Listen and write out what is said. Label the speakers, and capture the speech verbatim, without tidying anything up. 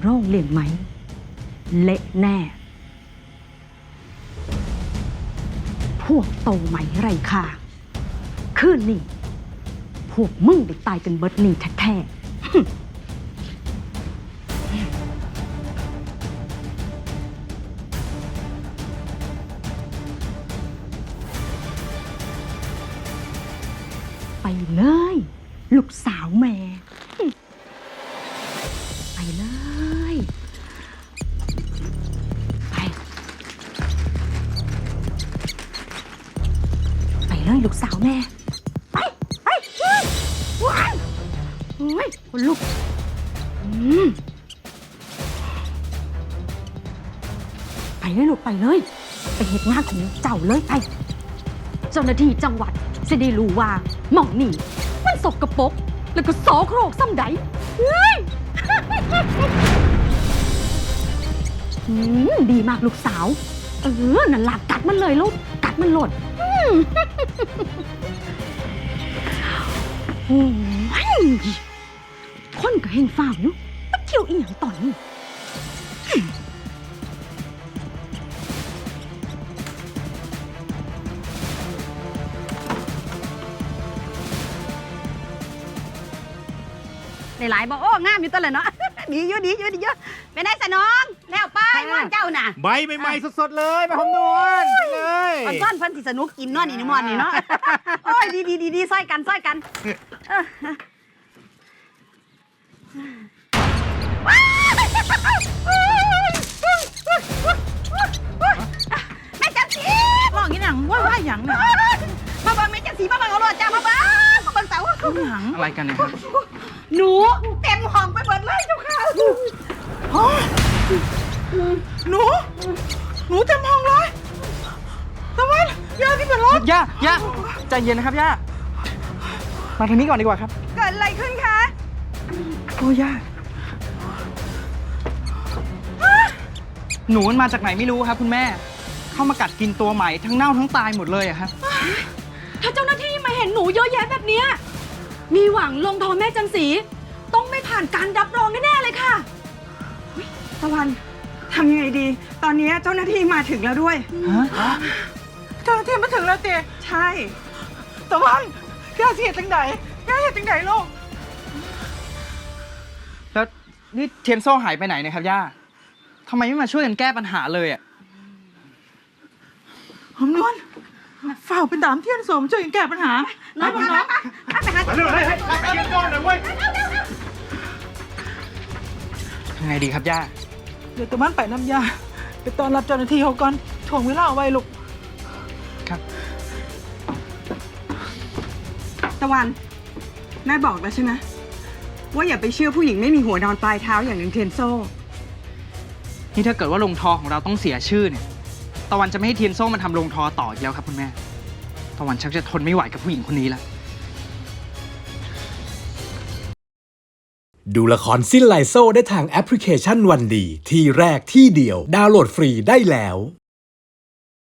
Speaker 1: โรงเรียนไหมเละแน่พวกโตไหมไรค่ะคืนนี้พวกมึงได้ตายกันเบิดนี่แท้ๆไปเลยลูกสาวแม่ไปเลยไปไปเลยลูกสาวแม่ไปไปว้ายโอ้ยคนลุกอืมไปเลยลูกไปเลยไปเหตุงานของเจ้าเลยไปเจ้าหน้าที่จังหวัดจะได้รู้ว่าหม่องนี่มันสกปรกแล้วก็โสโครกซ้ำใดเฮ้ย ดีมากลูกสาวเออนั่นหลักกัดมันเลยลูกกัดมันหลดโอ้ยคนก็เฮงฟ้าวอยู่มาเที่ยวอีหยังตอนนี้หลายๆบอกโอ้งามอยู่ตัวเลยเนาะดีอยู่ดีอยู่ดีเยอะไปไหนสนองแล้วไปม่อนเจ้าน่ะ
Speaker 2: ใบใหม่ๆสดๆเลยไปหอมนวลไปเลย
Speaker 1: อ่อนซ้อนเพิ่นสิสนุกกินเนาะนี่นี่ม่อนนี่เนาะโอ้ยดีดีดีดีซ้อยกันซ้อยกันแม่จันสี
Speaker 3: มองอย่างหนังว่าว่าอย่างเนี่ย
Speaker 1: มาบังแม่จันสีมาบังเอารถจ้ามาบังมาบังเสา
Speaker 3: หนังอะไรกันเนี่ยครับ
Speaker 1: หนูเต็มห้องไปหมดเลยเจ้าค่ะ
Speaker 3: หนูหนูเต็มห้องเลยทำไมย่าที่เป็นรถย่าย่าใจเย็นนะครับย่ามาทางนี้ก่อนดีกว่าครับ
Speaker 1: เกิดอะไรขึ้นคะ
Speaker 3: โอ้ย่าหนูมันมาจากไหนไม่รู้ครับคุณแม่เข้ามากัดกินตัวใหม่ทั้งเน่าทั้งตายหมดเลยอะครับ
Speaker 1: ถ้าเจ้าหน้าที่มาเห็นหนูเยอะแยะแบบนี้มีหวังลงทอแม่จันสีต้องไม่ผ่านการรับรองแน่ๆเลยค่ะ
Speaker 4: ตะวันทำยังไงดีตอนนี้เจ้าหน้าที่มาถึงแล้วด้วย
Speaker 3: ฮะเจ้าหน้าที่มาถึงแล้วเจ๊
Speaker 4: ใช่
Speaker 3: ตะวันย่าเสียจังไหนย่าเสียจังไหนลูกแล้วนี่เทียนโซ่หายไปไหนเนี่ยครับย่าทำไมไม่มาช่วยกันแก้ปัญหาเลยอ่ะหอมนวลฝ่าไปตามเทียนโซ่มาช่วยกันแก้ปัญหาน้อยน้อยน้อย
Speaker 2: ไปเลยให้ให้เทียนโซ่หน่อยเว้ย
Speaker 3: ทำไงดีครับย่า
Speaker 4: เดี๋ยวตะวันไปน้ำยาไปตอนรับเจ้าหน้าที่เขาก่อนถ่วงเวลาเอาไว้ลูก
Speaker 3: ครับ
Speaker 4: ตะวันแม่บอกแล้วใช่ไหมว่าอย่าไปเชื่อผู้หญิงไม่มีหัวนอนปลายเท้าอย่างนางเทียนโซ่
Speaker 3: นี่ถ้าเกิดว่าลงทอของเราต้องเสียชื่อเนี่ยตะวันจะไม่ให้เทียนโซ่มันทำลงทอต่ออีกแล้วครับคุณแม่ตะวันชักจะทนไม่ไหวกับผู้หญิงคนนี้แล้ว
Speaker 5: ดูละครสิ้นไลโซ่ได้ทางแอปพลิเคชันวันดีที่แรกที่เดียวดาวน์โหลดฟรีได้แล้ว